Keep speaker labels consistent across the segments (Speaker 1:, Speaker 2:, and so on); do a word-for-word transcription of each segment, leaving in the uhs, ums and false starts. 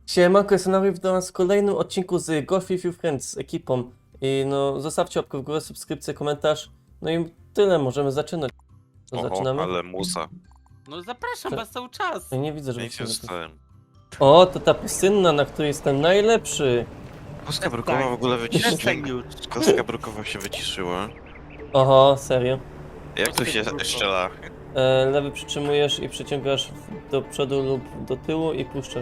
Speaker 1: Siemanko, jestem Nary, witam was w kolejnym odcinku z Golf With You Friends z ekipą. I no, zostawcie łapkę w górę, subskrypcję, komentarz. No i tyle, możemy zaczynać. To
Speaker 2: Oho,
Speaker 1: zaczynamy?
Speaker 2: ale musa.
Speaker 3: No zapraszam
Speaker 1: Cze-
Speaker 3: was cały czas.
Speaker 1: Ja nie widzę, żeby
Speaker 2: Nie
Speaker 1: się...
Speaker 2: się stałem.
Speaker 1: O, to ta pustynna, na której jestem najlepszy.
Speaker 2: Kostka brukowa w ogóle
Speaker 3: Przestań
Speaker 2: wyciszyła.
Speaker 3: już.
Speaker 2: Kostka brukowa się wyciszyła.
Speaker 1: Oho, serio.
Speaker 2: Jak tu się strzela?
Speaker 1: E, lewy przytrzymujesz i przyciągasz w- do przodu lub do tyłu i puszczasz.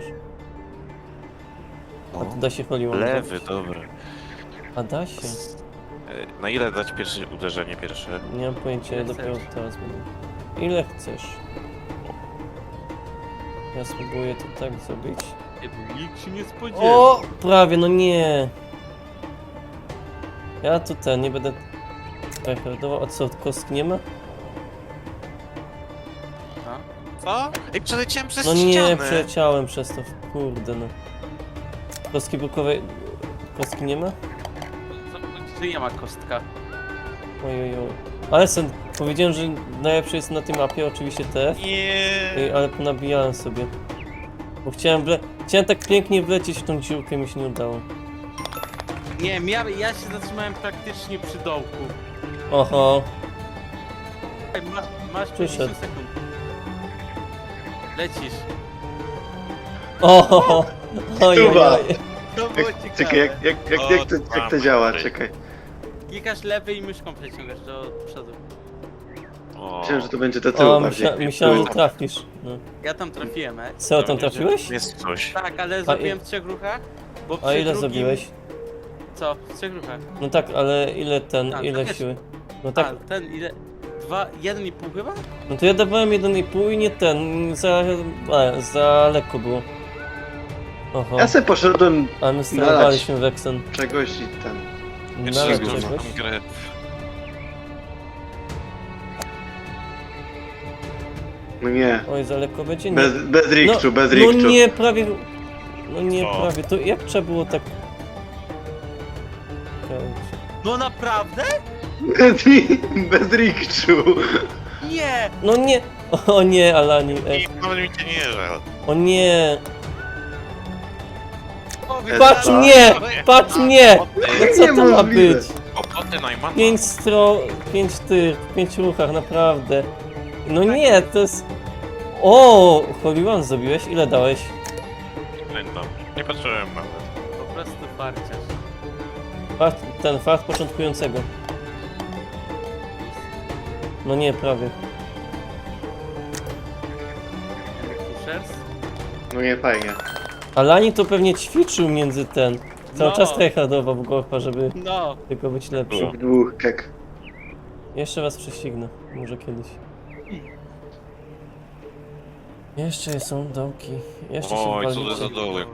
Speaker 1: A tu da się holiłam.
Speaker 2: Lewy, dobra.
Speaker 1: A da się?
Speaker 2: E, Na ile dać pierwsze uderzenie pierwsze?
Speaker 1: Nie mam pojęcia, ja
Speaker 3: Ile
Speaker 1: dopiero
Speaker 3: chcesz?
Speaker 1: teraz będę. Ile chcesz? Ja spróbuję to tak zrobić.
Speaker 3: Nikt się nie spodziewa.
Speaker 1: O! Prawie, no nie. Ja tu ten, nie będę rekordował. A co, kostki nie ma?
Speaker 3: A?
Speaker 2: Co? Ej, przeleciałem przez
Speaker 1: No nie,
Speaker 2: ścianę!
Speaker 1: przeleciałem przez to, kurde no. Kostki brukowej... Kostki nie ma?
Speaker 3: Co- Czy nie ma kostka?
Speaker 1: Ojojoj. Ale sen, powiedziałem, że najlepszy jest na tej mapie, oczywiście te.
Speaker 2: Nie.
Speaker 1: Ej, ale ponabijałem sobie. Bo chciałem wle... Chciałem tak pięknie wlecieć w tą dziurkę, mi się nie udało.
Speaker 3: Nie wiem, ja, ja się zatrzymałem praktycznie przy dołku.
Speaker 1: Oho.
Speaker 3: Ej, Masz, masz
Speaker 1: Przyszedł.
Speaker 3: pięćdziesiąt sekund. Lecisz.
Speaker 1: Oho. Ojojoj.
Speaker 3: To było
Speaker 4: Jak,
Speaker 3: ciekawe.
Speaker 4: czekaj, jak, jak, jak, jak, to, jak to działa? Czekaj.
Speaker 3: Klikasz lewy i myszką przeciągasz do przodu.
Speaker 2: O,
Speaker 4: Myślałem, że to będzie do tyłu
Speaker 1: O,
Speaker 4: bardziej.
Speaker 1: myśla... myślałem, że trafisz. No.
Speaker 3: Ja tam trafiłem, e?
Speaker 1: Co, tam trafiłeś?
Speaker 2: Jest coś.
Speaker 3: Tak, ale zrobiłem w trzech ruchach. Bo
Speaker 1: A
Speaker 3: przy
Speaker 1: ile
Speaker 3: drugim...
Speaker 1: zrobiłeś?
Speaker 3: Co? W trzech ruchach.
Speaker 1: No tak, ale ile ten,
Speaker 3: A,
Speaker 1: ile
Speaker 3: to wiesz.
Speaker 1: siły? No tak,
Speaker 3: A, ten ile? Dwa, jeden i pół chyba?
Speaker 1: no to ja dawałem jeden i pół i nie ten, za, a, za lekko było. Oho,
Speaker 4: Ja sobie poszedłem
Speaker 1: ale my sterowaliśmy Wexen.
Speaker 4: czegoś i ten.
Speaker 2: Jeszcze
Speaker 1: Nawet
Speaker 2: raz
Speaker 1: czegoś.
Speaker 2: grę.
Speaker 4: No nie.
Speaker 1: Oj, za lekko będzie? Nie.
Speaker 4: Bez, bez rikczu, bez
Speaker 1: No
Speaker 4: rikczu.
Speaker 1: nie, prawie, no nie,
Speaker 2: Co?
Speaker 1: prawie, to jak trzeba było tak... Okej.
Speaker 3: No naprawdę?
Speaker 4: Bez, bez rikczu.
Speaker 3: Nie!
Speaker 1: No nie, o nie, Alani, e,
Speaker 2: I nawet mi cię nie żal.
Speaker 1: o nie,
Speaker 3: Powiedz,
Speaker 1: patrz
Speaker 4: tak.
Speaker 1: mnie, patrz mnie, no co to ma
Speaker 4: Niemożliwe.
Speaker 1: być?
Speaker 2: Kłopoty Najmana.
Speaker 1: Pięć stron, pięć tych, w pięciu ruchach, naprawdę. No nie, to jest... O, Holy One zrobiłeś? Ile dałeś?
Speaker 2: Pamiętam. Nie patrzyłem nawet.
Speaker 3: po prostu farciarz.
Speaker 1: Fart, ten fart początkującego. No nie, prawie.
Speaker 3: Pushers?
Speaker 4: No nie, fajnie.
Speaker 1: Alani to pewnie ćwiczył między ten. Cały
Speaker 3: No.
Speaker 1: czas tryhardował w golfa, żeby
Speaker 3: No!
Speaker 1: tylko być lepszy.
Speaker 2: Było.
Speaker 4: Dwóch kek.
Speaker 1: Jeszcze was prześcignę, może kiedyś. Jeszcze są dołki. Jeszcze się
Speaker 2: Oj, co to
Speaker 1: walicie.
Speaker 2: za doły.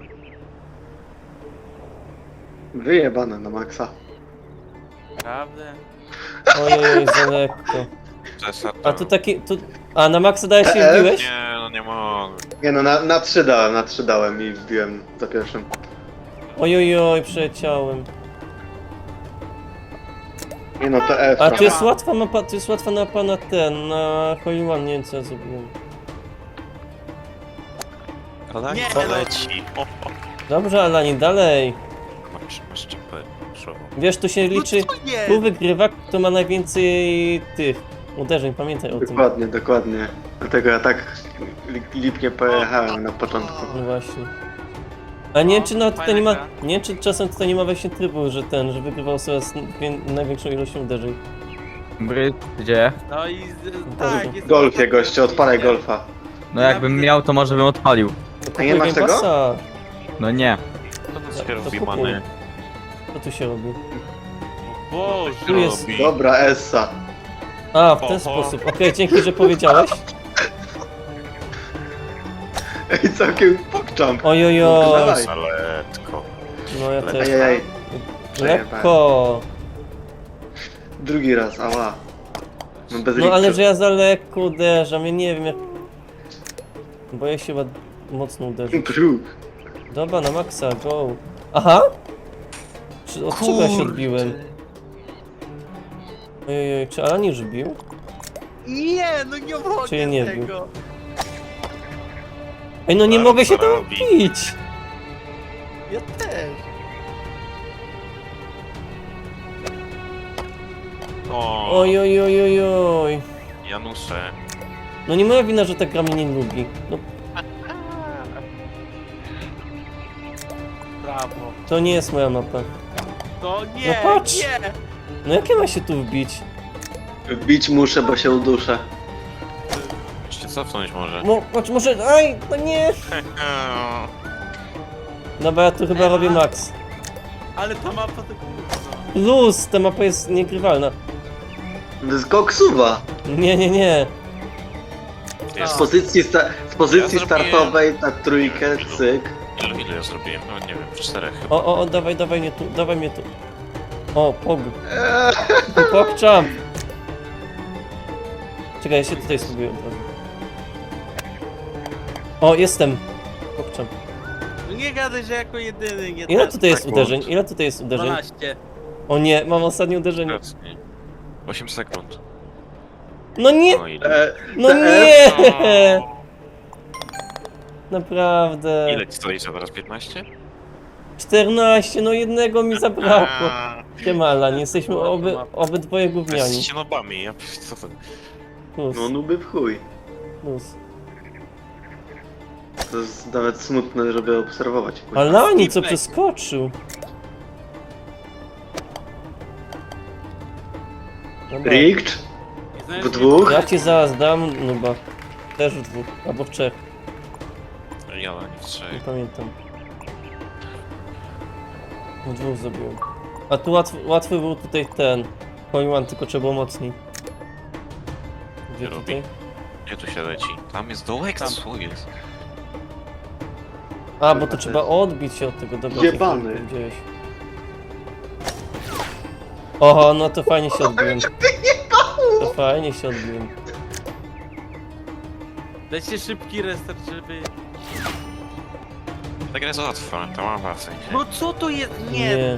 Speaker 4: Wyjebane na maksa.
Speaker 3: Prawda?
Speaker 1: Ojej, za lekko.
Speaker 2: Cesar
Speaker 1: A tu taki, tu... A, na maksa dałeś się
Speaker 4: E, e.
Speaker 1: wbiłeś?
Speaker 2: Nie, no nie mogę.
Speaker 4: Nie no, na, na trzy dałem, na trzy dałem i wbiłem za pierwszym.
Speaker 1: Ojojoj, przeleciałem.
Speaker 4: Nie no, to F.
Speaker 1: A
Speaker 4: tam.
Speaker 1: to jest łatwa mapa, to jest łatwa mapa na ten, na Holy One, nie wiem co ja zrobiłem.
Speaker 2: Ale
Speaker 3: Nie,
Speaker 2: nie,
Speaker 3: no.
Speaker 2: leci. O, o.
Speaker 1: Dobrze, Alani, dalej.
Speaker 2: Masz, masz czapę. Szło.
Speaker 1: Wiesz, tu się liczy,
Speaker 3: No co jest?
Speaker 1: tu wygrywa, kto ma najwięcej tych uderzeń, pamiętaj o tym.
Speaker 4: Dokładnie, dokładnie. Dlatego ja tak li- lipnie pojechałem na początku.
Speaker 1: No właśnie. A nie wiem, czy nawet tutaj nie ma,
Speaker 3: fajna
Speaker 1: nie wiem, czy czasem tutaj nie ma właśnie trybu, że ten, że wygrywał sobie z wie- największą ilością uderzeń.
Speaker 5: Bry, gdzie?
Speaker 3: No i z,
Speaker 1: Boże.
Speaker 3: tak, jest
Speaker 4: Golfie, goście, odpalaj golfa.
Speaker 5: No jakbym miał, to może bym odpalił.
Speaker 4: A nie masz
Speaker 1: Game
Speaker 4: tego?
Speaker 1: Passa.
Speaker 5: No nie.
Speaker 2: Co to się
Speaker 1: To
Speaker 2: robi,
Speaker 1: kupuj.
Speaker 2: many?
Speaker 1: Co tu się robi?
Speaker 3: Boże!
Speaker 1: Tu jest-
Speaker 2: Robi.
Speaker 4: Dobra, Essa.
Speaker 1: A, w ten
Speaker 2: Oho.
Speaker 1: sposób. Okej, dzięki, że powiedziałeś.
Speaker 4: Ej, całkiem pokczam.
Speaker 1: Ojojoj.
Speaker 4: Dawaj.
Speaker 2: Saletko.
Speaker 1: No ja też.
Speaker 4: Ajajaj.
Speaker 1: Lekko.
Speaker 4: Drugi raz, ała. No bez
Speaker 1: No ale
Speaker 4: rikczu.
Speaker 1: że ja za lekko uderzam, ja nie wiem jak... Boję się chyba mocno uderzyć.
Speaker 4: Bruk.
Speaker 1: Dobra, na maksa, go. Aha! Czy, od czego ja się odbiłem? Ojej, czy Alan już bił?
Speaker 3: Nie, no nie mogę
Speaker 1: Czy ja nie
Speaker 3: tego!
Speaker 1: Ej, no nie
Speaker 2: Ale
Speaker 1: mogę się
Speaker 2: co
Speaker 1: tam
Speaker 2: robi?
Speaker 1: bić!
Speaker 3: Ja też.
Speaker 2: O,
Speaker 1: Oj, oj, oj, oj, oj.
Speaker 2: Janusze.
Speaker 1: No nie moja wina, że ta gra mnie nie lubi. No
Speaker 3: Brawo.
Speaker 1: to nie jest moja mapa.
Speaker 3: To nie,
Speaker 1: No patrz.
Speaker 3: nie.
Speaker 1: No jak ja mam się tu wbić?
Speaker 4: Bić muszę, bo się uduszę.
Speaker 2: Jeszcze cofnąć może.
Speaker 1: Mo, patrz, może... Aj, no nie! Dobra, ja tu chyba robię max.
Speaker 3: Ale ta mapa to kurwa.
Speaker 1: Luz, ta mapa jest niegrywalna.
Speaker 4: To jest koksuwa.
Speaker 1: Nie, nie, nie.
Speaker 4: Z
Speaker 2: Jest.
Speaker 4: pozycji, sta z pozycji
Speaker 2: Ja zrobiłem-
Speaker 4: startowej na trójkę, cyk.
Speaker 2: Ilu, ile ja zrobiłem? No nie wiem, w czterech chyba.
Speaker 1: O, o, o, dawaj, dawaj mnie tu, dawaj mnie tu. O, pog.
Speaker 4: Eee,
Speaker 1: Pogczam. Czekaj, ja się tutaj spróbuję od razu. O, jestem. Pogczam.
Speaker 3: No nie gadaj, że jako jedyny nie
Speaker 1: Ile
Speaker 3: ten.
Speaker 1: tutaj jest
Speaker 2: sekund.
Speaker 1: uderzeń? Ile tutaj jest uderzeń?
Speaker 3: dwanaście.
Speaker 1: O nie, mam ostatnie uderzenie.
Speaker 2: Obecnie. osiem sekund.
Speaker 1: No nie!
Speaker 2: No ile?
Speaker 4: eee,
Speaker 1: No
Speaker 4: te
Speaker 1: nie!
Speaker 2: O,
Speaker 1: Naprawdę.
Speaker 2: ile ci stoi teraz? piętnaście?
Speaker 1: czternaście, no jednego mi zabrakło.
Speaker 2: A,
Speaker 1: Siemala, nie jesteśmy oby, obydwoje gówniani.
Speaker 2: Jesteście nobami, ja co to?
Speaker 1: Plus,
Speaker 4: No nuby w chuj.
Speaker 1: plus.
Speaker 4: To jest nawet smutne, żeby obserwować. kurwa.
Speaker 1: Alani, co
Speaker 3: Skipek.
Speaker 1: przeskoczył. Dobra,
Speaker 4: Rigged?
Speaker 3: Nie znasz
Speaker 4: W
Speaker 3: mnie?
Speaker 4: dwóch?
Speaker 1: ja ci zaraz dam, no bo też w dwóch, albo w trzech,
Speaker 2: Ja nie w
Speaker 1: nie
Speaker 2: trzech.
Speaker 1: pamiętam. W dwóch zrobiłem. A tu łatwy, łatwy był tutaj ten, Hole One, tylko trzeba było mocniej. Gdzie
Speaker 2: Nie robi.
Speaker 1: tutaj?
Speaker 2: Gdzie tu się leci? Tam jest dołek,
Speaker 3: Tam.
Speaker 2: co jest?
Speaker 1: A, bo to trzeba odbić się od tego, dobra.
Speaker 4: Jebany.
Speaker 1: Gdzieś. Oho, no to fajnie się odbiłem. To fajnie się odbiłem.
Speaker 3: Dajcie szybki restart, żeby...
Speaker 2: Ta gra jest łatwa, to ma wasy.
Speaker 3: No co to jest? Nie,
Speaker 1: Nie.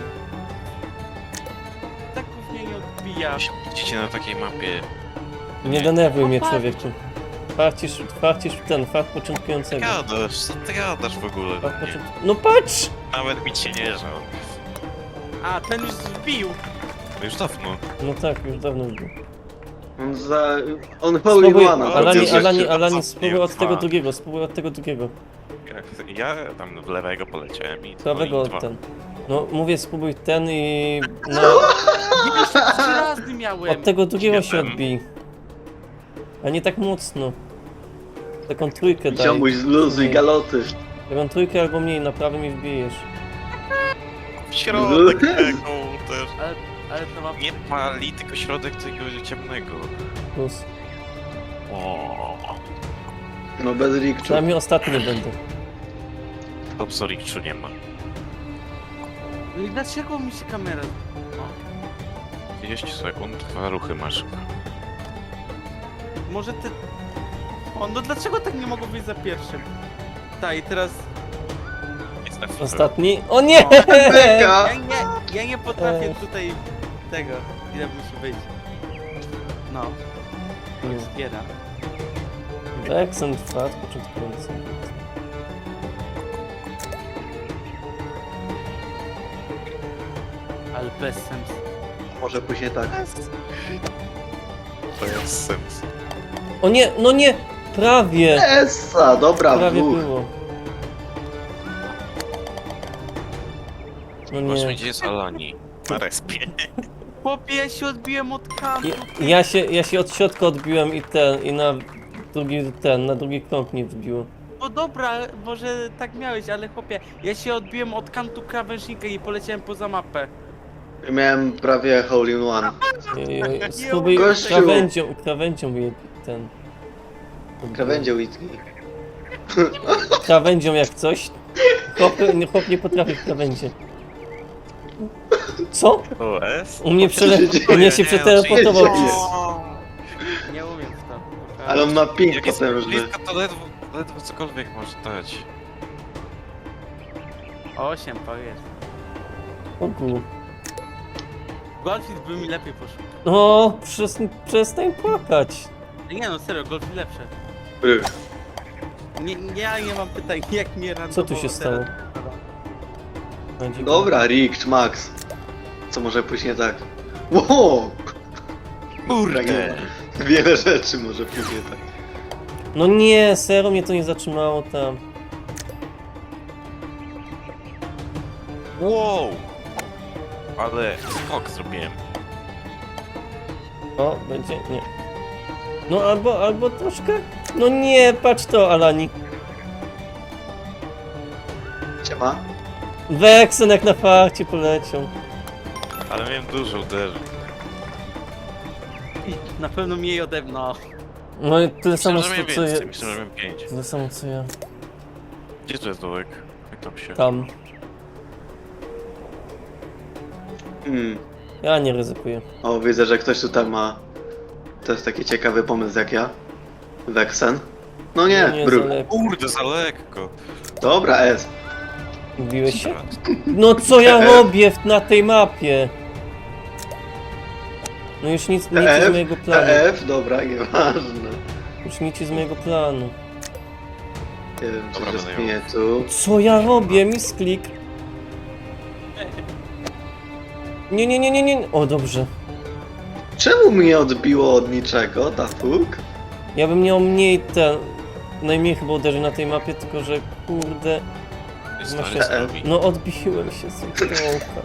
Speaker 3: tak mnie nie odbija.
Speaker 2: Widzicie na takiej mapie.
Speaker 1: Nie denerwuj mnie,
Speaker 3: No patrz.
Speaker 1: człowieku. Farcisz, farcisz w ten, fart początkującego.
Speaker 2: Gadasz, co ty gadasz w ogóle?
Speaker 1: Fart
Speaker 2: Nie,
Speaker 1: początku... No patrz!
Speaker 2: nawet mi cię nie żal.
Speaker 3: A, ten już zbił.
Speaker 2: To już dawno.
Speaker 1: No tak, już dawno był.
Speaker 4: On za... On hole in
Speaker 1: Spróbuj,
Speaker 4: one.
Speaker 1: Alani,
Speaker 2: Jezu,
Speaker 1: Alani,
Speaker 2: jeszcze
Speaker 1: Alani,
Speaker 2: co?
Speaker 1: spróbuj od tego
Speaker 2: Dwa.
Speaker 1: drugiego, spróbuj od tego drugiego.
Speaker 2: Jak- Ja tam w lewego poleciałem i
Speaker 1: Prawego
Speaker 2: no i
Speaker 1: od
Speaker 2: dwa.
Speaker 1: ten. No mówię, spróbuj ten i... No,
Speaker 3: Nie już trzy razy miałem.
Speaker 1: od tego drugiego się
Speaker 2: Jeden.
Speaker 1: odbij. A nie tak mocno. Taką trójkę daj.
Speaker 4: Ziomuś zluzuj
Speaker 1: Nie.
Speaker 4: galoty.
Speaker 1: Taką trójkę albo mniej, naprawdę mi wbijesz.
Speaker 2: W środek tego też.
Speaker 3: Ale, ale to ma...
Speaker 2: Nie pali, tylko środek tego ciemnego.
Speaker 1: Plus.
Speaker 2: O,
Speaker 4: No bez rikczu.
Speaker 1: Przynajmniej ostatni będę.
Speaker 2: to Zoriczu nie ma.
Speaker 3: No i dlaczego mi się kamera... O,
Speaker 2: trzydzieści sekund, dwa ruchy masz.
Speaker 3: może ty... O, no dlaczego tak nie mogło być za pierwszym? Tak, i teraz...
Speaker 2: Jest F.
Speaker 1: Ostatni? O nie!
Speaker 4: Beka!
Speaker 3: Ja nie, ja nie potrafię
Speaker 1: Ech.
Speaker 3: tutaj tego, ile musi być. No,
Speaker 1: Nie.
Speaker 3: zbiera.
Speaker 1: Accent fart początkujący.
Speaker 3: Ale bez sensu.
Speaker 4: Może później tak.
Speaker 2: To jest sens.
Speaker 1: O nie, no nie! Prawie!
Speaker 4: Essa, dobra,
Speaker 1: Prawie
Speaker 4: dwóch.
Speaker 1: było. No
Speaker 2: Zobaczmy,
Speaker 1: nie.
Speaker 2: gdzie jest Alani. Na respie.
Speaker 3: Chłopie, ja się odbiłem od kantu.
Speaker 1: Ja, ja, się, ja się od środka odbiłem i ten, i na drugi ten, na drugi krąg nie wbiło.
Speaker 3: No dobra, może tak miałeś, ale chłopie, ja się odbiłem od kantu krawężnika i poleciałem poza mapę.
Speaker 4: Miałem prawie hole in one.
Speaker 1: Ej, ej, Spróbuj
Speaker 4: Gościu.
Speaker 1: krawędzią, krawędzią je ten.
Speaker 4: Krawędzie whisky.
Speaker 1: Krawędzią jak coś. Chłop, nie- chłop nie potrafi w krawędzie. Co?
Speaker 2: O, S?
Speaker 1: U mnie, przele...
Speaker 4: Co się dzieje?
Speaker 1: U mnie się przeteleportował.
Speaker 4: dzieje?
Speaker 3: Nie umiem w to.
Speaker 4: Ale on ma ping
Speaker 2: Jak jest
Speaker 4: potężny.
Speaker 2: blisko, to ledwo, ledwo cokolwiek może dać.
Speaker 3: Osiem, powiedz.
Speaker 1: Ogu.
Speaker 3: Golfit by mi lepiej poszło.
Speaker 1: No, przestań, przestań płakać.
Speaker 3: Nie no, serio, golfit lepsze.
Speaker 4: Rych.
Speaker 3: Nie, ja nie mam pytań, jak mnie randomowo
Speaker 1: Co tu się
Speaker 3: teraz-
Speaker 1: stało? Będzie
Speaker 4: Dobra, Rick, Max. Co może pójść nie tak? Wow!
Speaker 2: Kurde!
Speaker 4: Wiele rzeczy może pójść nie tak.
Speaker 1: No nie, serio mnie to nie zatrzymało tam.
Speaker 2: Wow! Ale skok zrobiłem.
Speaker 1: O, będzie, nie. No albo, albo troszkę. No nie, patrz to, Alani.
Speaker 4: Siema.
Speaker 1: Weksen jak na farcie poleciał.
Speaker 2: Ale miałem dużo uderzeń.
Speaker 3: Na pewno mniej ode mnie.
Speaker 1: No i tyle samo
Speaker 2: Myślę, że
Speaker 1: co,
Speaker 2: miałem
Speaker 1: co
Speaker 2: więcej,
Speaker 1: ja.
Speaker 2: myślę, że miałem pięć.
Speaker 1: Tyle samo co ja.
Speaker 2: Gdzie to jest dołek? Jak tam się...
Speaker 1: Tam.
Speaker 4: Hmm.
Speaker 1: Ja nie ryzykuję.
Speaker 4: O, widzę, że ktoś tutaj ma... To jest taki ciekawy pomysł jak ja. Weksen. No nie,
Speaker 1: No nie,
Speaker 4: Bruk.
Speaker 1: za lekko.
Speaker 2: Kurde, za lekko!
Speaker 4: Dobra, S.
Speaker 1: Biłeś się? No co ja robię w, na tej mapie? No już nic, nic z mojego planu.
Speaker 4: T F, dobra, nieważne.
Speaker 1: Już nic z mojego planu.
Speaker 4: Nie wiem, czy
Speaker 2: Dobra,
Speaker 4: się
Speaker 2: będę
Speaker 4: spinie tu.
Speaker 1: Co ja robię? Misklik. Nie, nie, nie, nie, nie. O, dobrze.
Speaker 4: Czemu mnie odbiło od niczego, ta fuk?
Speaker 1: Ja bym miał mniej ten... Najmniej chyba uderzeń na tej mapie, tylko że kurde...
Speaker 2: Jest
Speaker 1: Masz
Speaker 2: to
Speaker 1: się-
Speaker 2: zrobi.
Speaker 1: No odbiłem się z dołka.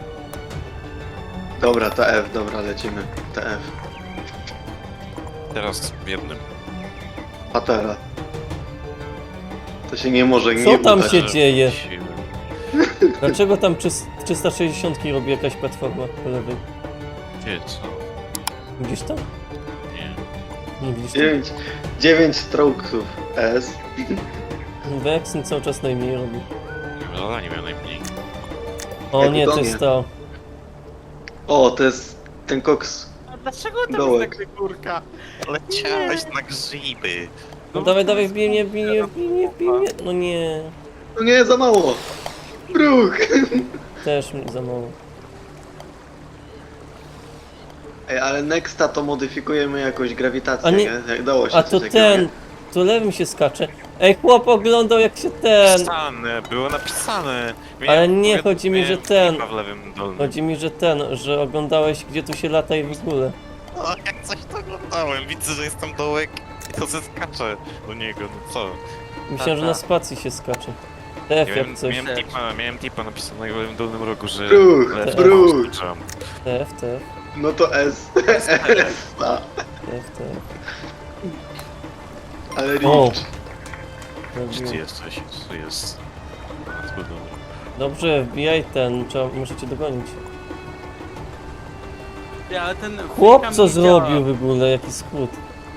Speaker 4: Dobra, T F, dobra, lecimy. T F.
Speaker 2: Teraz w jednym.
Speaker 4: Patera. To się nie może
Speaker 1: Co
Speaker 4: nie
Speaker 1: tam
Speaker 4: udać.
Speaker 1: się dzieje?
Speaker 2: Siły.
Speaker 1: Dlaczego tam trzysta sześćdziesiąt robi jakaś platforma po lewej?
Speaker 2: Wie co?
Speaker 1: Widzisz to?
Speaker 2: Nie.
Speaker 1: Nie widzisz to?
Speaker 4: dziewięć, dziewięć strokesów S.
Speaker 1: Vexen cały czas najmniej robi.
Speaker 2: Zadanie miał najmniej.
Speaker 1: O
Speaker 4: Jak
Speaker 1: nie, to
Speaker 4: utonie.
Speaker 1: jest to.
Speaker 4: O, to jest ten koks.
Speaker 3: A dlaczego tam
Speaker 4: Dołek.
Speaker 3: jest taka górka?
Speaker 2: Leciałeś na grzyby.
Speaker 1: No dawaj, dawaj, wbij mnie, wbij mnie, wbij mnie, wbij mnie. No nie,
Speaker 4: No nie, za mało. Bruk.
Speaker 1: też mi za mało.
Speaker 4: Ej, ale Nexta to modyfikujemy jakoś grawitację,
Speaker 1: A nie-
Speaker 4: nie? Jak dało się
Speaker 1: A
Speaker 4: coś
Speaker 1: to
Speaker 4: takiego,
Speaker 1: ten,
Speaker 4: nie?
Speaker 1: to lewym się skacze. Ej, chłop oglądał jak się ten.
Speaker 2: Napisane, było napisane.
Speaker 1: Ale nie,
Speaker 2: Miałem-
Speaker 1: chodzi mi, że
Speaker 2: miałem
Speaker 1: ten-
Speaker 2: klipa w lewym dolnym.
Speaker 1: Chodzi mi, że ten, że oglądałeś gdzie tu się lata i w ogóle.
Speaker 2: O, jak coś to oglądałem, widzę, że jest tam dołek i to zeskaczę do niego, no co?
Speaker 1: Myślałem, że na spacji się skacze. T F jak
Speaker 2: Miałem,
Speaker 1: coś.
Speaker 2: miałem, tipa, miałem tipa napisanego w lewym dolnym rogu, że...
Speaker 4: Bruch,
Speaker 2: lecę,
Speaker 4: bruch.
Speaker 2: skoczam.
Speaker 1: T F, T F,
Speaker 4: No to S. S. A.
Speaker 1: T F, T F.
Speaker 4: Ale
Speaker 1: O.
Speaker 4: Rich.
Speaker 2: Gdzie ty jesteś? Co jest? A, to dobra.
Speaker 1: Dobrze, wbijaj ten, trzeba, muszę cię dogonić.
Speaker 3: Ja, ale ten
Speaker 1: Chłop
Speaker 3: frikam
Speaker 1: co
Speaker 3: nie
Speaker 1: zrobił
Speaker 3: działa.
Speaker 1: w ogóle, jaki skrót.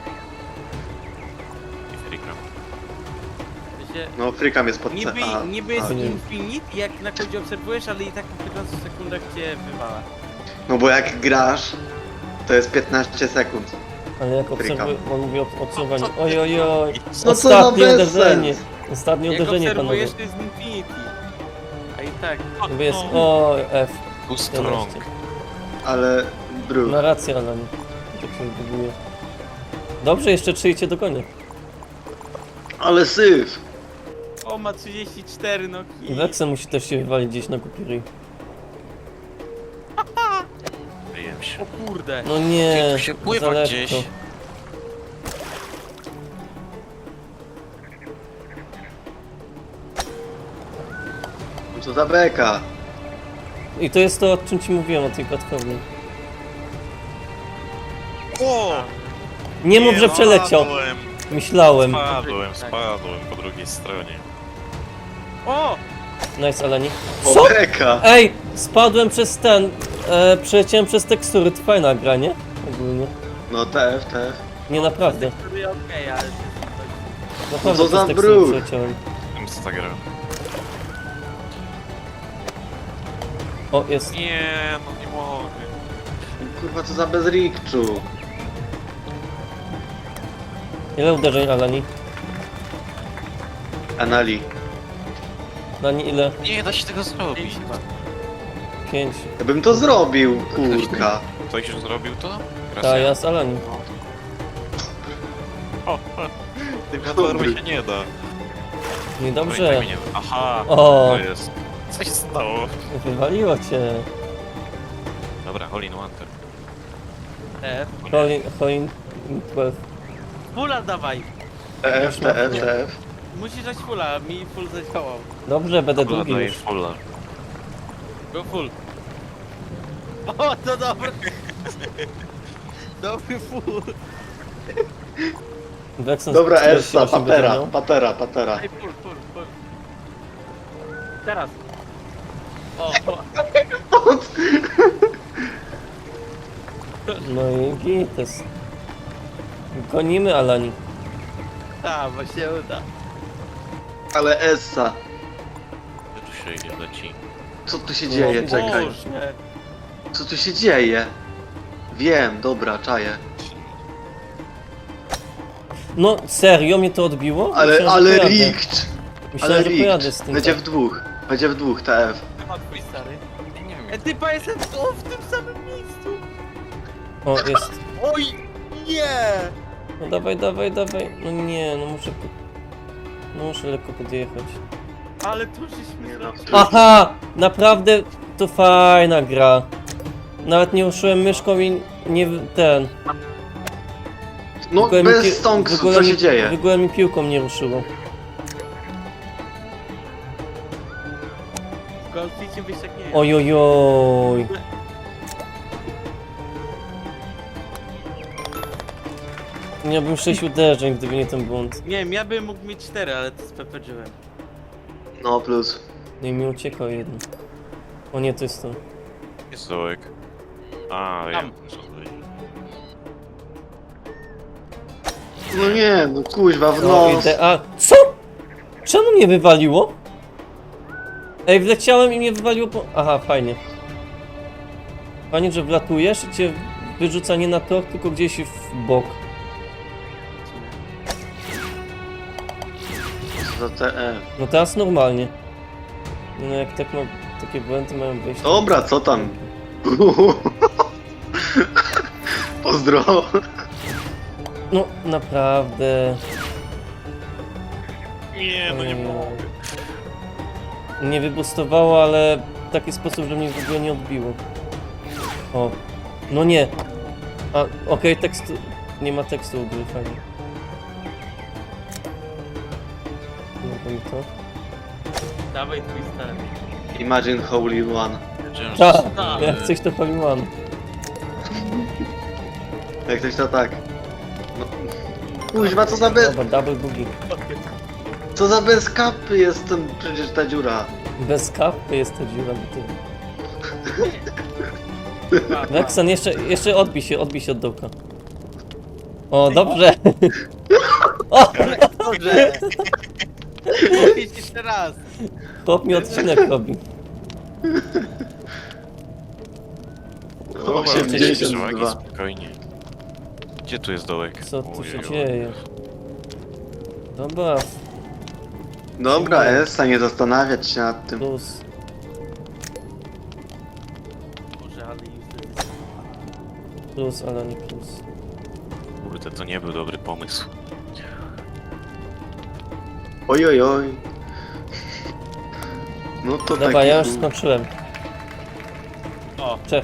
Speaker 2: I frikam.
Speaker 3: Się-
Speaker 4: No, frikam jest pod C.
Speaker 3: Niby,
Speaker 4: A,
Speaker 3: niby jest
Speaker 4: a.
Speaker 1: nie.
Speaker 3: infinite, jak na końcu obserwujesz, ale i tak po piętnastu sekundach cię wywala.
Speaker 4: No bo jak grasz, to jest piętnaście sekund.
Speaker 1: Ale jak obserwuję, on mówi o obserwowaniu. Oj, oj, oj.
Speaker 4: No co za
Speaker 1: Ostatnie
Speaker 4: bezsens.
Speaker 1: uderzenie. Ostatnie
Speaker 3: Jak
Speaker 1: uderzenie, panowie.
Speaker 3: obserwujesz, to jest infinity. A i tak.
Speaker 1: Bo jest, o, F.
Speaker 2: Too strong.
Speaker 1: jedenaście.
Speaker 4: Ale Bruk.
Speaker 1: Ma rację, Alan. Tak się wybuduje. Dobrze, jeszcze trzy i cię dogonię.
Speaker 4: Ale syf.
Speaker 3: O, ma trzydzieści cztery nogi.
Speaker 1: Wexen musi też się wywalić gdzieś na głupi ryj.
Speaker 2: Wyjem się.
Speaker 3: O kurde.
Speaker 1: No nie,
Speaker 2: Tu się
Speaker 1: za
Speaker 2: pływa
Speaker 1: lekko.
Speaker 2: gdzieś.
Speaker 4: No co za beka.
Speaker 1: I to jest to, o czym ci mówiłem, o tej platformie.
Speaker 2: O!
Speaker 1: Nie mów, że przeleciał.
Speaker 2: Spadłem,
Speaker 1: Myślałem.
Speaker 2: spadłem, spadłem po drugiej stronie.
Speaker 3: O!
Speaker 1: Nice, Alani.
Speaker 4: O,
Speaker 1: Co?
Speaker 4: beka.
Speaker 1: Ej, spadłem przez ten, e, przeleciałem przez tekstury, to fajna gra, nie? Ogólnie.
Speaker 4: No T F, T F.
Speaker 1: Nie, naprawdę.
Speaker 3: Który okej, ale...
Speaker 1: Naprawdę
Speaker 4: co za
Speaker 1: przez tekstury
Speaker 4: brud.
Speaker 1: przeleciałem.
Speaker 2: Wiem co ta gra.
Speaker 1: O, jest.
Speaker 2: Nie, no nie mogę.
Speaker 4: Kurwa, co za bezrikczu.
Speaker 1: Ile uderzeń, Alani?
Speaker 4: Anali.
Speaker 1: Alani, ile?
Speaker 2: Nie da się tego zrobić.
Speaker 1: Pięć.
Speaker 4: Ja bym to zrobił, kurka.
Speaker 2: Ktoś już zrobił to?
Speaker 1: Ta, ja z Alani.
Speaker 2: Tej platformy się nie da. No i
Speaker 1: Niedobrze.
Speaker 2: tak mnie nie da. Aha,
Speaker 1: O.
Speaker 2: to jest. Co się stało?
Speaker 1: Wywaliło cię.
Speaker 2: Dobra, all in one. tak.
Speaker 3: F.
Speaker 1: Colin, Colin dwanaście.
Speaker 3: Fulla dawaj.
Speaker 4: T F, T F, T F.
Speaker 3: Musisz dać fulla, mi full zadziałał.
Speaker 1: Dobrze, będę
Speaker 2: Fulla
Speaker 1: drugi
Speaker 2: daje
Speaker 1: już.
Speaker 2: fulla.
Speaker 3: Go full. O, to dobry. Dobry full.
Speaker 1: Wexen
Speaker 4: Dobra,
Speaker 1: czterdzieści
Speaker 4: Essa,
Speaker 1: osiem będzie
Speaker 4: patera,
Speaker 1: miał.
Speaker 4: patera, patera.
Speaker 3: Ej, full, full, full. Teraz. O, o.
Speaker 1: No i gites. Gonimy Alani.
Speaker 3: Ta, właśnie uda.
Speaker 4: Ale Essa,
Speaker 2: Gdzie tu się idzie, leci?
Speaker 4: co tu się dzieje?
Speaker 1: No,
Speaker 4: Czekaj.
Speaker 3: Boże.
Speaker 4: Co tu się dzieje? Wiem, dobra, czaję.
Speaker 1: No serio mnie to odbiło?
Speaker 4: Ale,
Speaker 1: Myślałem, że
Speaker 4: ale
Speaker 1: pojadę.
Speaker 4: rikt!
Speaker 1: Myślałem,
Speaker 4: Ale
Speaker 1: że pojadę
Speaker 4: rikt!
Speaker 1: z tym.
Speaker 4: Będzie
Speaker 1: tak.
Speaker 4: w dwóch. Będzie w dwóch, T F.
Speaker 3: Ma twój stary. E, typa jestem o, w tym samym miejscu.
Speaker 1: O, jest.
Speaker 3: Oj, nie.
Speaker 1: No dawaj, dawaj, dawaj. No nie, no muszę... Po... No muszę lekko podjechać.
Speaker 3: Ale tu żeśmy zrobili.
Speaker 1: Aha! Naprawdę to fajna gra. Nawet nie ruszyłem myszką i nie... w- ten...
Speaker 4: No,
Speaker 1: w ogóle mi pi-
Speaker 4: bez
Speaker 1: w
Speaker 4: stonks,
Speaker 1: ogóle
Speaker 4: co
Speaker 1: mi-
Speaker 4: się dzieje?
Speaker 1: W ogóle mi piłką nie ruszyło.
Speaker 3: W golficie byś tak nie.
Speaker 1: Ojojoj. Miałbym sześć uderzeń, gdyby nie ten błąd.
Speaker 3: Nie wiem, ja bym mógł mieć cztery, ale to spepedziłem.
Speaker 4: No, plus.
Speaker 1: No i mi uciekał jeden. O nie, to jest to.
Speaker 2: Jest dołek. A,
Speaker 3: Tam.
Speaker 2: wiem, co tutaj.
Speaker 4: No nie, no kuźwa, w
Speaker 1: No
Speaker 4: nos.
Speaker 1: idę, a... Co? Czemu mnie wywaliło? Ej, wleciałem i mnie wywaliło po... Aha, fajnie. Fajnie, że wlatujesz i cię wyrzuca nie na tor, tylko gdzieś w bok.
Speaker 4: Co za T F.
Speaker 1: No teraz normalnie. No jak tak ma... takie błędy mają wyjść...
Speaker 4: Dobra, co tam? Pozdro.
Speaker 1: No, naprawdę...
Speaker 2: Nie, no nie
Speaker 1: Ojej.
Speaker 2: mogę.
Speaker 1: Nie wybustowało, ale w taki sposób, że mnie w ogóle nie odbiło. O. No nie. A, okej, tekstu... Nie ma tekstu u gry, fajnie. Nie mi to.
Speaker 3: Dawaj twój stary.
Speaker 4: Imagine Holy One.
Speaker 2: Wiedziałem, że
Speaker 1: Tak,
Speaker 2: są-
Speaker 1: jak coś to Paliwan.
Speaker 4: Jak ktoś to tak. No. Kuźwa, co za bez...
Speaker 1: Dobra, double boogie.
Speaker 4: Co za bez kapy jest ten, przecież ta dziura.
Speaker 1: Bez kapy jest ta dziura do tyłu. Wexan, jeszcze, jeszcze odbij się, odbij się od dołka. O, dobrze. O,
Speaker 3: Dobrze. Mówić jeszcze raz.
Speaker 1: chłop mi odcinek robi.
Speaker 2: Dobra,
Speaker 4: osiemdziesiąt
Speaker 2: przewagi,
Speaker 4: dwa.
Speaker 2: spokojnie. Gdzie tu jest dołek?
Speaker 1: Co tu się
Speaker 2: Ojej,
Speaker 1: dzieje? Dobra,
Speaker 4: Dobra, Essa, nie zastanawiać się nad tym.
Speaker 1: plus.
Speaker 3: Boże, ale useless.
Speaker 1: Plus, ale nie plus.
Speaker 2: Kurde, to nie był dobry pomysł.
Speaker 4: Oj, oj, oj. No to
Speaker 1: Dobra,
Speaker 4: taki
Speaker 1: ja już
Speaker 4: był.
Speaker 1: skończyłem.
Speaker 3: O,
Speaker 1: Czech.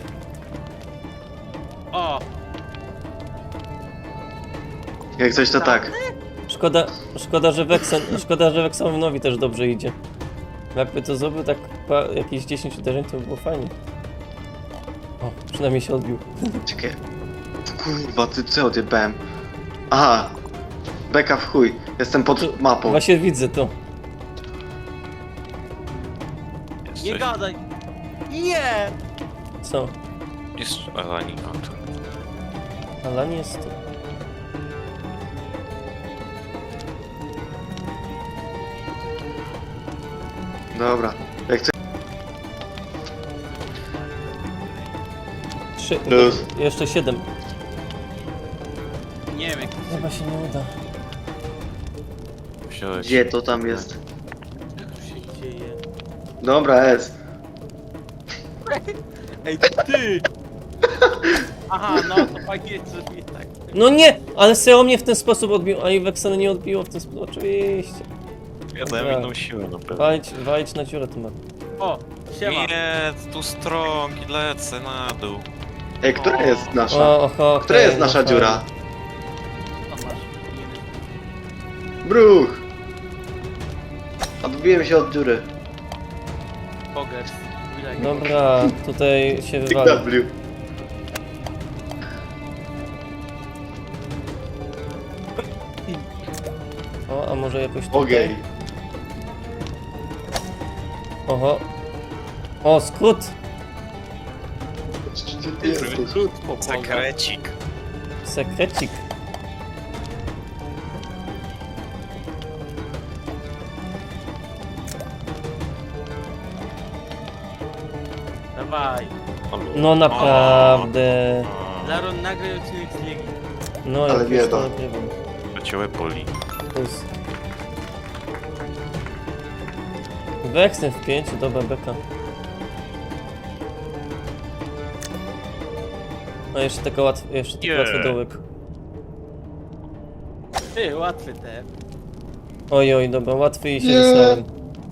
Speaker 3: o.
Speaker 4: Jak coś to tak.
Speaker 1: Szkoda, szkoda, że Wexen, szkoda, że Wexenowi też dobrze idzie. Jakby to zrobił tak pa, jakieś dziesięć uderzeń, to by było fajnie. O, przynajmniej się odbił.
Speaker 4: Czekaj. Kurwa, ty co odjebałem? Aha. Beka w chuj. Jestem
Speaker 1: Tu-
Speaker 4: pod mapą.
Speaker 1: Właśnie widzę to.
Speaker 2: Jest
Speaker 3: Nie
Speaker 2: coś-
Speaker 3: gadaj. Nie.
Speaker 1: Co?
Speaker 2: Jest Alani, a to...
Speaker 1: Ale nie jest to.
Speaker 4: Dobra. Jak coś...
Speaker 1: Trzy,
Speaker 4: Plus.
Speaker 1: jeszcze siedem.
Speaker 3: Nie wiem, jak to
Speaker 1: Chyba się nie uda.
Speaker 2: Wziąłeś...
Speaker 4: Gdzie to tam jest?
Speaker 3: jak tu się dzieje.
Speaker 4: Dobra, S.
Speaker 3: Ej, ty! Aha, no to fajnie, że mnie tak.
Speaker 1: No nie! Ale Seo mnie w ten sposób odbił, a i Wexena nie odbiło w ten sposób. Oczywiście.
Speaker 2: Ja dałem
Speaker 1: Dobra.
Speaker 2: inną siłę na pewno.
Speaker 1: Walić, walić na dziurę tu ma.
Speaker 3: O, siema.
Speaker 2: Nie, tu strong i lecę na dół.
Speaker 4: Ej, która
Speaker 2: O.
Speaker 4: jest nasza?
Speaker 1: O, oho,
Speaker 4: Która
Speaker 1: okej,
Speaker 4: jest nasza
Speaker 1: no
Speaker 4: dziura?
Speaker 3: O, masz.
Speaker 4: Bruch! Odbiłem się od dziury.
Speaker 3: Pogers.
Speaker 1: fajnie. Dobra, tutaj się
Speaker 4: Big
Speaker 1: wywali.
Speaker 4: W.
Speaker 1: O, a może jakoś tutaj?
Speaker 4: Ogień.
Speaker 1: Oho. O, skrót!
Speaker 4: Gdzie ty jesteś?
Speaker 3: Krót po pogers.
Speaker 2: Sekrecik.
Speaker 1: Sekrecik.
Speaker 3: Dawaj.
Speaker 1: No naprawdę.
Speaker 3: Laron, nagraj odcinek z Legii.
Speaker 1: No,
Speaker 4: Ale
Speaker 1: jak
Speaker 4: bieda.
Speaker 1: już to nagrywam.
Speaker 2: Leciałe poli.
Speaker 1: Plus. Weksem w pięciu, dobra beka. A jeszcze taka łatwa, jeszcze taki
Speaker 2: Nie.
Speaker 1: łatwy dołek.
Speaker 3: Ty, łatwy te.
Speaker 1: Oj, oj, dobra, łatwy i się
Speaker 4: Nie.
Speaker 1: wysłałem.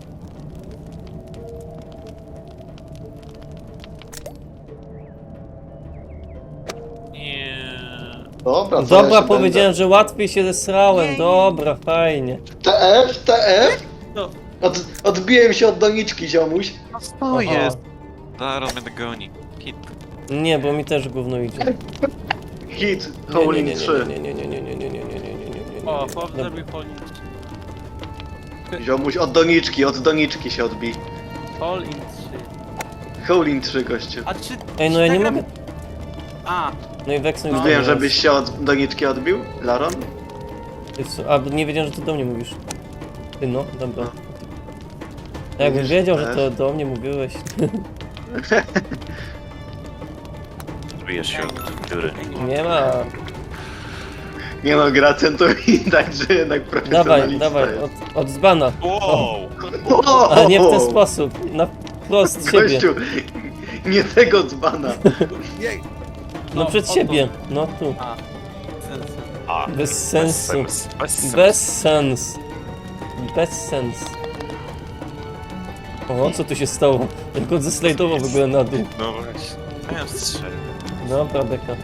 Speaker 2: Nie.
Speaker 4: Dobra, co
Speaker 1: Dobra,
Speaker 4: jeszcze
Speaker 1: powiedziałem, że łatwiej się zesrałem, dobra, fajnie.
Speaker 4: będę? T F, T F?
Speaker 3: No,
Speaker 4: Od, odbiłem się od doniczki, ziomuś.
Speaker 2: To
Speaker 1: Aha.
Speaker 2: jest. Zaraz mnie dogoni. Hit.
Speaker 1: Nie, bo mi też gówno idzie.
Speaker 4: Hit,
Speaker 1: Nie, nie,
Speaker 4: Howling
Speaker 1: nie,
Speaker 4: trzy.
Speaker 1: nie, nie, nie, nie, nie, nie, nie, nie, nie, nie, nie, nie.
Speaker 3: o, chłop
Speaker 1: Dobra.
Speaker 3: zrobił polnicz.
Speaker 4: Ziomuś, od doniczki, od doniczki się odbij.
Speaker 3: Pol in trzy.
Speaker 4: Howling trzy, gościu.
Speaker 3: A czy...
Speaker 1: Ej, no
Speaker 3: czy
Speaker 1: ja nie
Speaker 3: ta gra-
Speaker 1: mogę.
Speaker 3: A,
Speaker 1: No i Weksem już
Speaker 4: Wiem,
Speaker 1: do mnie
Speaker 4: żebyś się od doniczki odbił, Laron?
Speaker 1: jest. A, nie wiedziałem, że ty do mnie mówisz. Ty no, dobra.
Speaker 4: No.
Speaker 1: Jakbym
Speaker 4: Widzisz,
Speaker 1: wiedział, że
Speaker 4: też.
Speaker 1: to do mnie mówiłeś.
Speaker 2: Zbijesz się od dziury.
Speaker 1: Nie ma.
Speaker 4: Nie no, gra centurii, także jednak
Speaker 1: Dawaj,
Speaker 4: profesjonalista
Speaker 1: dawaj,
Speaker 4: jest.
Speaker 1: od, od dzbana.
Speaker 2: Wow!
Speaker 4: O,
Speaker 1: Ale nie w ten sposób. Na wprost siebie.
Speaker 4: Gościu, nie tego dzbana.
Speaker 3: nie.
Speaker 1: No przed
Speaker 3: o
Speaker 1: siebie. No tu.
Speaker 3: Tu. A, sens.
Speaker 2: A,
Speaker 1: Bez sensu.
Speaker 2: sens, Bez sensu.
Speaker 1: Bez sens. Bez sens. O, co tu się stało? Jak on zeslajdował w ogóle na dół.
Speaker 2: No właśnie. Miałem strzelić.
Speaker 1: Dobra, beka.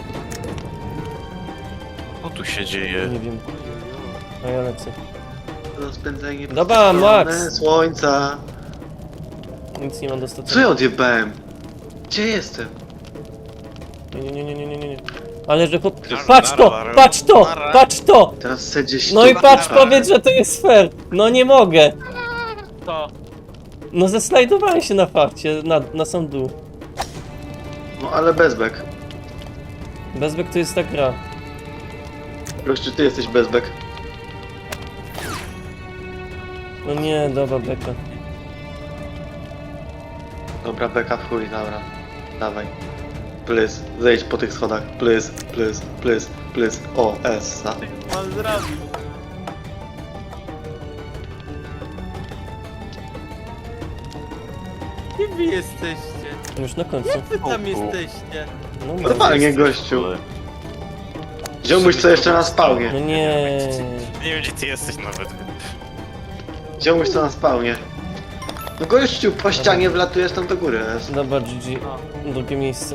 Speaker 2: Co tu się dzieje?
Speaker 1: Nie wiem. A ja lecę.
Speaker 4: Rozpędzenie
Speaker 1: Dobra, Max.
Speaker 4: słońca.
Speaker 1: Nic nie mam
Speaker 4: Co ja
Speaker 1: dostatecznego.
Speaker 4: odjebałem? Gdzie jestem?
Speaker 1: Nie, nie, nie, nie, nie, nie, nie. Ale że chłop...
Speaker 2: Nara,
Speaker 1: Patrz to!
Speaker 2: nara,
Speaker 1: Patrz to!
Speaker 2: nara.
Speaker 1: Patrz to!
Speaker 4: Teraz chcę gdzieś
Speaker 1: No i
Speaker 4: tu-
Speaker 1: patrz,
Speaker 2: Nara.
Speaker 1: powiedz, że to jest fair! No nie mogę!
Speaker 3: To.
Speaker 1: No zeslajdowałem się na farcie, na, na sam dół.
Speaker 4: No ale bezbek.
Speaker 1: Bezbek to jest ta gra.
Speaker 4: Gościu, ty jesteś bezbek.
Speaker 1: No nie, dobra, beka.
Speaker 4: Dobra, beka w chuj, dobra. Dawaj. Please, zejdź po tych schodach. Please, please, please, please. O, S.
Speaker 3: Ty pan zrobił. Gdzie wy jesteście?
Speaker 1: Już na końcu.
Speaker 3: Jak wy tam
Speaker 2: O, o.
Speaker 3: jesteście?
Speaker 1: No, no.
Speaker 4: Normalnie, gościu. Ziomuś co jeszcze na spawnie.
Speaker 1: No nie.
Speaker 2: Nie wiem gdzie ty jesteś nawet.
Speaker 4: Ziomuś co na spawnie. No gościu, po ścianie wlatujesz tam do góry. S.
Speaker 1: Dobra, G G.
Speaker 3: No,
Speaker 1: Drugie miejsce.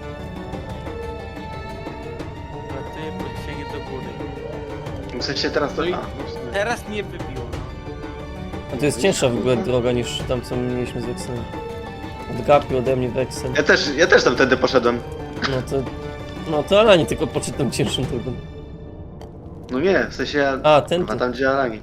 Speaker 3: ratuję podciągnie do góry.
Speaker 4: Muszę się teraz to...
Speaker 3: No i-
Speaker 4: A, no w sumie.
Speaker 3: Teraz mnie wybiło.
Speaker 1: A to jest cięższa w ogóle droga niż tam co mieliśmy z Wexem. Odgapił ode mnie Wexem.
Speaker 4: Ja też, ja też tam wtedy poszedłem.
Speaker 1: No to... No to Alani tylko poszedł tą cięższą drogą.
Speaker 4: No nie, w sensie ja...
Speaker 1: A, ten
Speaker 4: Chyba
Speaker 1: tu.
Speaker 4: tam gdzie Alani.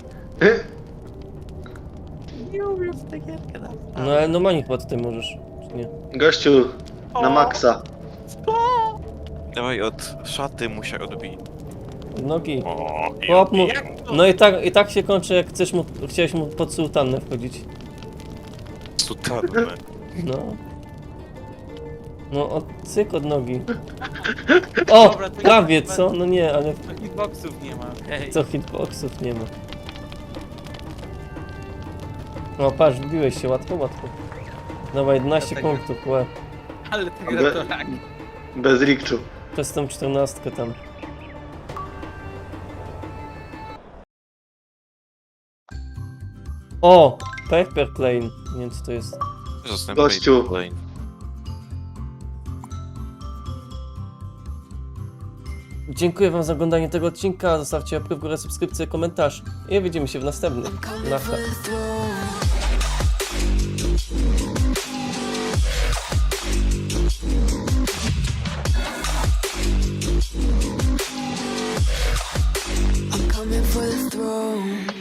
Speaker 3: Nie umiem w tę gierkę na
Speaker 1: No ale normalnie chyba tutaj możesz, czy nie?
Speaker 4: Gościu, na
Speaker 3: O!
Speaker 4: maksa.
Speaker 2: Dawaj od szaty muszę odbić.
Speaker 1: Nogi.
Speaker 2: O,
Speaker 1: Chłop mu...
Speaker 3: Jak to?
Speaker 1: No i tak, i tak się kończy, jak chcesz mu, chciałeś mu pod sultannę wchodzić.
Speaker 2: Sutanne.
Speaker 1: No. No, od, cyk od nogi. O!
Speaker 3: Dobra, to
Speaker 1: Prawie,
Speaker 3: ja-
Speaker 1: co? No nie, ale
Speaker 3: To hitboxów nie ma, okej.
Speaker 1: co hitboxów nie ma. No patrz, wbiłeś się łatwo, łatwo. Dawaj, jedenaście
Speaker 3: Dlatego-
Speaker 1: punktów, łe.
Speaker 3: Ale ta gra to rak.
Speaker 4: Bez rikczu.
Speaker 1: Przez tą czternastkę tam. O! Paper Plane. Nie wiem co to jest.
Speaker 2: Zostałem
Speaker 4: Gościu.
Speaker 2: kolejny.
Speaker 1: Dziękuję wam za oglądanie tego odcinka, zostawcie łapkę w górę, subskrypcję, komentarz i widzimy się w następnym. Na